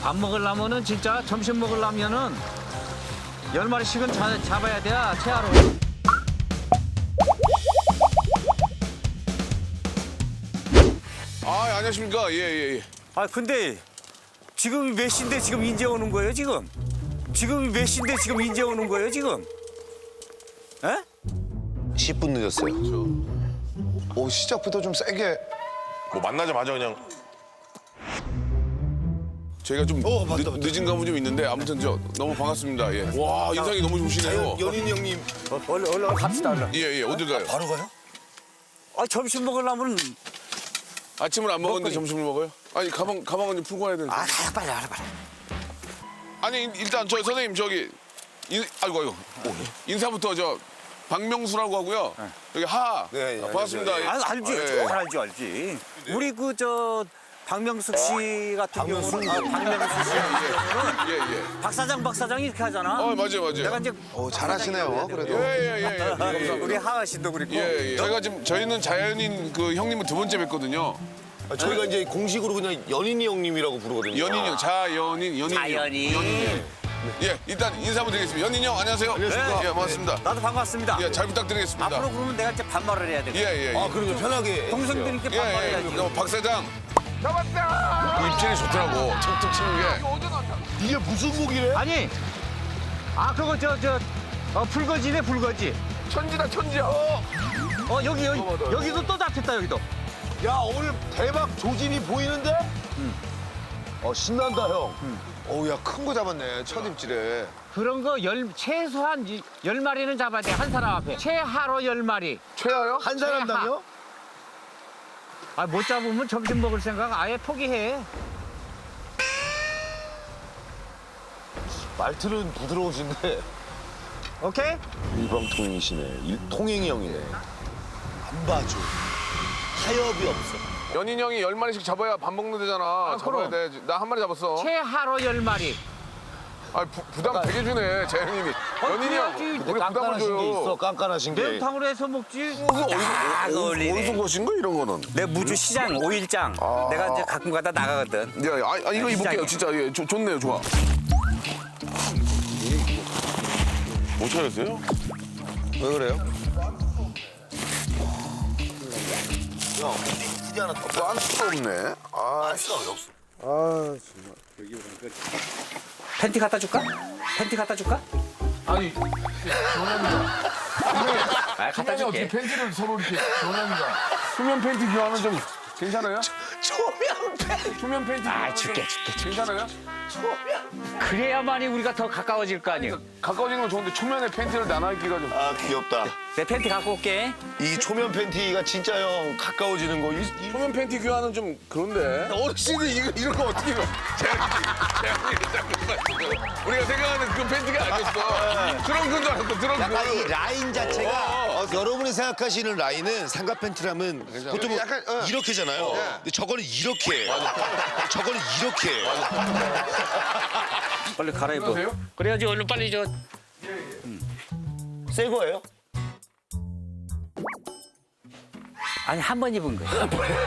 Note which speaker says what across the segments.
Speaker 1: 밥 먹으려면은 진짜 점심 먹으려면은 10마리씩은 잡아야 돼, 채하로.
Speaker 2: 아, 안녕하십니까. 예.
Speaker 3: 아 근데 지금 몇 시인데 지금 인제 오는 거예요 지금? 지금 몇 시인데 지금 인제 오는 거예요 지금? 에?
Speaker 4: 10분 늦었어요. 오, 시작부터 좀 세게.
Speaker 2: 뭐 만나자마자 그냥. 저희가 좀 늦은 감은 좀 있는데 아무튼 너무 반갑습니다. 예. 와, 인상이 너무 좋으시네요.
Speaker 4: 연인 형님.
Speaker 3: 얼른 갑시다 얼른.
Speaker 2: 예. 어딜 가요?
Speaker 4: 바로 가요?
Speaker 3: 아 점심 먹으려면
Speaker 2: 아침을 안 먹었는데
Speaker 3: 먹거리.
Speaker 2: 점심을 먹어요? 아니, 가방은 좀 풀고 와야 되는데.
Speaker 3: 아 빨리 알아 빨리.
Speaker 2: 아니, 일단 선생님 아이고. 인사부터 박명수라고 하고요. 여기 하하.
Speaker 4: 네,
Speaker 2: 반갑습니다.
Speaker 4: 예.
Speaker 3: 아 알지
Speaker 2: 예.
Speaker 3: 알지. 우리 그 박명숙 씨 같은 경우는 박명숙 씨
Speaker 2: 예.
Speaker 3: 박 사장이 이렇게 하잖아.
Speaker 2: 맞아요.
Speaker 3: 내가 이제
Speaker 4: 오, 잘하시네요, 그래도.
Speaker 2: 예. 감사합니다.
Speaker 3: 우리 하하 씨도 그렇고.
Speaker 2: 예. 저희는 자연인 그 형님은 두 번째 뵀거든요.
Speaker 4: 저희가 이제 공식으로 그냥 연인이 형님이라고 부르거든요.
Speaker 2: 연인 형, 자연인, 연인 형.
Speaker 3: 자연인.
Speaker 2: 예, 일단 인사 한번 드리겠습니다. 연인 형, 안녕하세요.
Speaker 4: 안녕하십니까.
Speaker 2: 예, 반갑습니다.
Speaker 3: 나도 반갑습니다.
Speaker 2: 예, 잘 부탁드리겠습니다.
Speaker 3: 앞으로 그러면 내가 이제 반말을 해야 돼.
Speaker 2: 예.
Speaker 4: 아, 그럼요, 편하게.
Speaker 3: 동생들께 반말해야지.
Speaker 2: 박 사장. 잡았다! 그 입질이 좋더라고. 툭툭 치는 게.
Speaker 4: 이게 무슨 무기래?
Speaker 1: 아니, 그거 불거지네, 불거지.
Speaker 2: 천지다, 천지야.
Speaker 1: 여기도 또 잡혔다, 여기도.
Speaker 4: 야, 오늘 대박 조짐이 보이는데? 신난다, 형. 어우, 야, 큰 거 잡았네, 첫 입질에.
Speaker 1: 그런 거 최소한 10마리는 잡아야 돼, 한 사람 앞에. 최하로 10마리.
Speaker 2: 최하요?
Speaker 4: 한 사람당요?
Speaker 1: 못 잡으면 점심 먹을 생각 아예 포기해.
Speaker 4: 말투는 부드러우신데.
Speaker 1: 오케이?
Speaker 4: 일방통행이시네. 통행이 형이네. 안 봐줘. 타협이 없어.
Speaker 2: 연인 형이 10마리씩 잡아야 밥 먹는 데잖아. 잡아야 돼. 나 한 마리 잡았어.
Speaker 1: 최하로 10마리.
Speaker 2: 부담 되게 주네, 재현님이. 연인이 형,
Speaker 1: 그래야지.
Speaker 2: 우리 부담을 줘요.
Speaker 4: 깐깐하신 게.
Speaker 1: 매운탕으로 해서 먹지.
Speaker 3: 어울리네.
Speaker 2: 것인 거 이런 거는?
Speaker 3: 내 무주 시장 5일장 내가 이제 가끔 가다 나가거든.
Speaker 2: 이거 입을게요. 진짜 좋네요, 좋아. 못 찾았어요?
Speaker 4: 왜 그래요? 형, 휴지 하나 더.
Speaker 2: 안 수가 없네.
Speaker 4: 없어.
Speaker 3: 팬티 갖다 줄까?
Speaker 5: 아니, 변합니다.
Speaker 3: 갖다
Speaker 5: 어떻게
Speaker 3: 줄게.
Speaker 5: 팬티를 서로 이렇게 변합니다.
Speaker 2: 수면 팬티 교환은 좀 괜찮아요?
Speaker 3: 초면 팬티. 줄게.
Speaker 2: 괜찮아요?
Speaker 1: 그래야만이 우리가 더 가까워질 거 아니에요.
Speaker 2: 가까워지는 건 좋은데 초면에 팬티를 나눠 입기가 좀.
Speaker 4: 아, 귀엽다.
Speaker 3: 내 팬티 갖고 올게.
Speaker 4: 이 초면 팬티가 진짜 형 가까워지는 거.
Speaker 2: 초면 팬티 교환은 좀 그런데. 어르신이 이런 거 어떻게 봐? 우리가 생각하는 그 팬티가 아니었어. 그런 건 줄 알았어.
Speaker 6: 약간 이 라인 자체가 여러분이 생각하시는 라인은 삼각 팬티라면 보통
Speaker 4: 약간,
Speaker 6: 이렇게잖아요. 근데 저거는 이렇게 해요. 저거는 이렇게 해요.
Speaker 3: 빨리 갈아입어.
Speaker 1: 그래야지 얼른 빨리
Speaker 4: 새 거예요?
Speaker 1: 아니 한 번 입은 거야.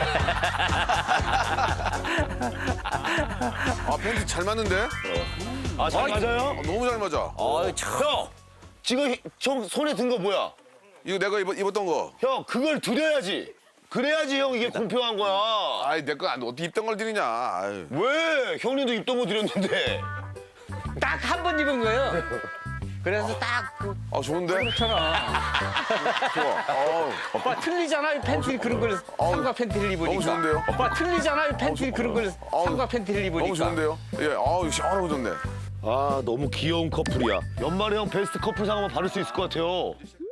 Speaker 2: 팬티 잘 맞는데?
Speaker 4: 잘 맞아요?
Speaker 2: 너무 잘 맞아.
Speaker 4: 형, 지금 형 손에 든 거 뭐야?
Speaker 2: 이거 내가 입었던 거.
Speaker 4: 형, 그걸 드려야지. 그래야지 형 이게 공평한 거야.
Speaker 2: 아이, 내 거 어떻게 입던 걸 드리냐. 아유.
Speaker 4: 왜? 형님도 입던 거 드렸는데.
Speaker 1: 딱 한 번 입은 거예요. 그래서
Speaker 2: 좋은데?
Speaker 1: 그렇잖아.
Speaker 2: 좋아.
Speaker 1: 오빠 틀리잖아, 이 팬티 그런 걸 삼각 팬티를 입으니까.
Speaker 2: 너무 좋은데요?
Speaker 1: 오빠 틀리잖아, 이 팬티 그런 걸 삼각 팬티를 입으니까.
Speaker 2: 너무 좋은데요? 예, 시원하고 좋네.
Speaker 4: 아, 너무 귀여운 커플이야. 연말에 형 베스트 커플상 한번 받을 수 있을 것 같아요.